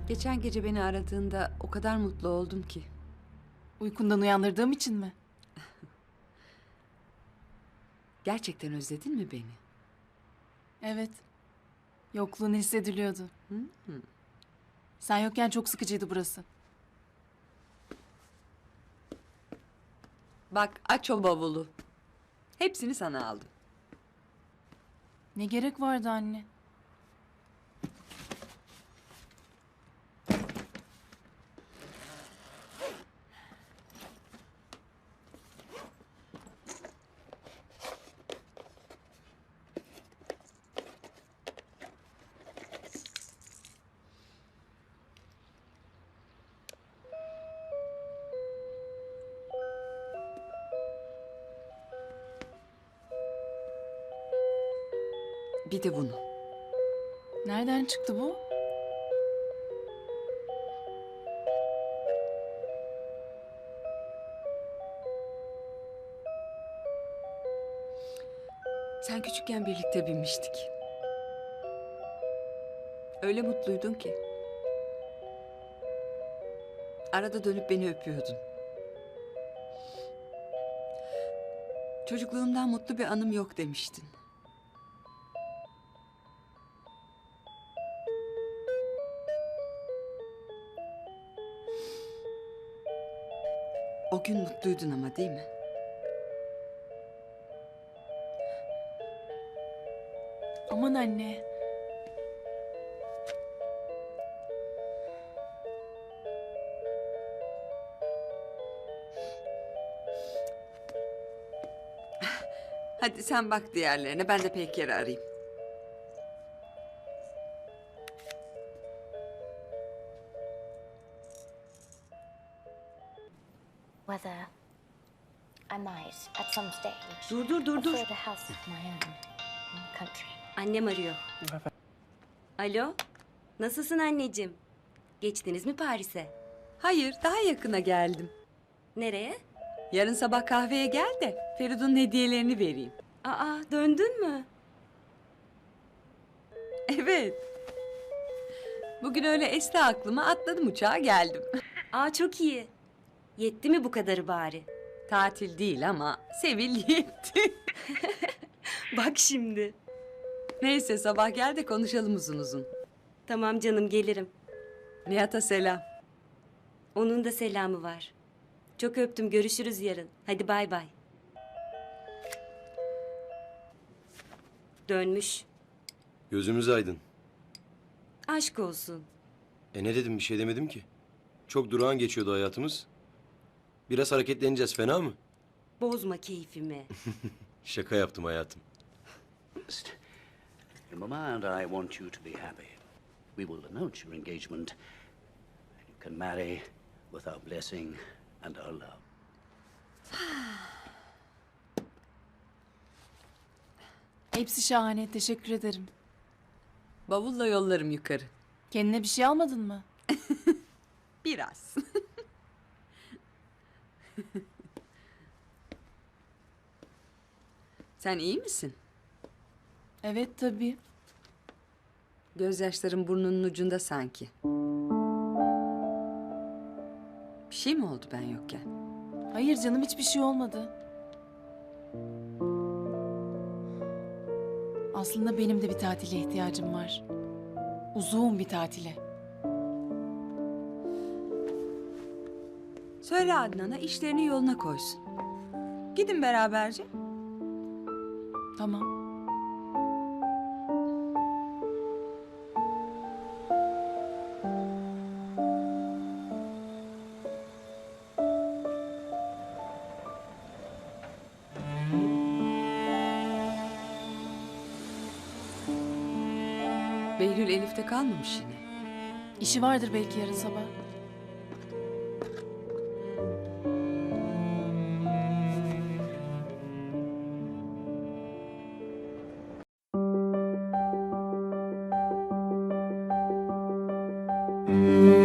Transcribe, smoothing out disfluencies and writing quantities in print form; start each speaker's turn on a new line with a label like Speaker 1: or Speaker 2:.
Speaker 1: Geçen gece beni aradığında o kadar mutlu oldum ki.
Speaker 2: Uykundan uyandırdığım için mi?
Speaker 1: Gerçekten özledin mi beni?
Speaker 2: Evet. Yokluğun hissediliyordu. Sen yokken çok sıkıcıydı burası.
Speaker 1: Bak aç o bavulu. Hepsini sana aldım.
Speaker 2: Ne gerek vardı anne?
Speaker 1: Bir de bunu.
Speaker 2: Nereden çıktı bu?
Speaker 1: Sen küçükken birlikte binmiştik. Öyle mutluydun ki. Arada dönüp beni öpüyordun. Çocukluğumdan mutlu bir anım yok demiştin. O gün mutluydun ama değil mi?
Speaker 2: Aman anne.
Speaker 1: Hadi sen bak diğerlerine, ben de Peyker'i arayayım.
Speaker 3: Whether I might, at some stage,
Speaker 4: Dur.
Speaker 3: afford a house of my own in the country.
Speaker 4: Annem arıyor. Alo, nasılsın anneciğim? Geçtiniz mi Paris'e?
Speaker 1: Hayır, daha yakına geldim.
Speaker 4: Nereye?
Speaker 1: Yarın sabah kahveye gel de Feridun'un hediyelerini vereyim.
Speaker 4: Aa, döndün mü?
Speaker 1: Evet. Bugün öyle esti aklıma, atladım uçağa geldim.
Speaker 4: Aa, çok iyi. Yetti mi bu kadarı bari?
Speaker 1: Tatil değil ama Sevil yetti.
Speaker 4: Bak şimdi.
Speaker 1: Neyse sabah gel de konuşalım uzun uzun.
Speaker 4: Tamam canım, gelirim.
Speaker 1: Nihat'a selam.
Speaker 4: Onun da selamı var. Çok öptüm, görüşürüz yarın. Hadi bay bay. Dönmüş.
Speaker 5: Gözümüz aydın.
Speaker 4: Aşk olsun.
Speaker 5: Ne dedim, bir şey demedim ki. Çok durağan geçiyordu hayatımız. Biraz hareketleneceğiz, fena mı?
Speaker 4: Bozma keyfimi.
Speaker 5: Şaka yaptım hayatım.
Speaker 6: Mama and I want you to be happy. We will announce your engagement. You can marry with our blessing and our love.
Speaker 2: Hepsi şahane. Teşekkür ederim.
Speaker 1: Bavulla yollarım yukarı.
Speaker 2: Kendine bir şey almadın mı?
Speaker 1: Biraz. Sen iyi misin?
Speaker 2: Evet tabii.
Speaker 1: Gözyaşların burnunun ucunda sanki. Bir şey mi oldu ben yokken?
Speaker 2: Hayır canım, hiçbir şey olmadı. Aslında benim de bir tatile ihtiyacım var. Uzun bir tatile.
Speaker 1: Söyle Adnan'a işlerini yoluna koysun. Gidin beraberce.
Speaker 2: Tamam.
Speaker 1: Behlül Elif'te kalmamış yine.
Speaker 2: İşi vardır belki yarın sabah.
Speaker 3: Thank you.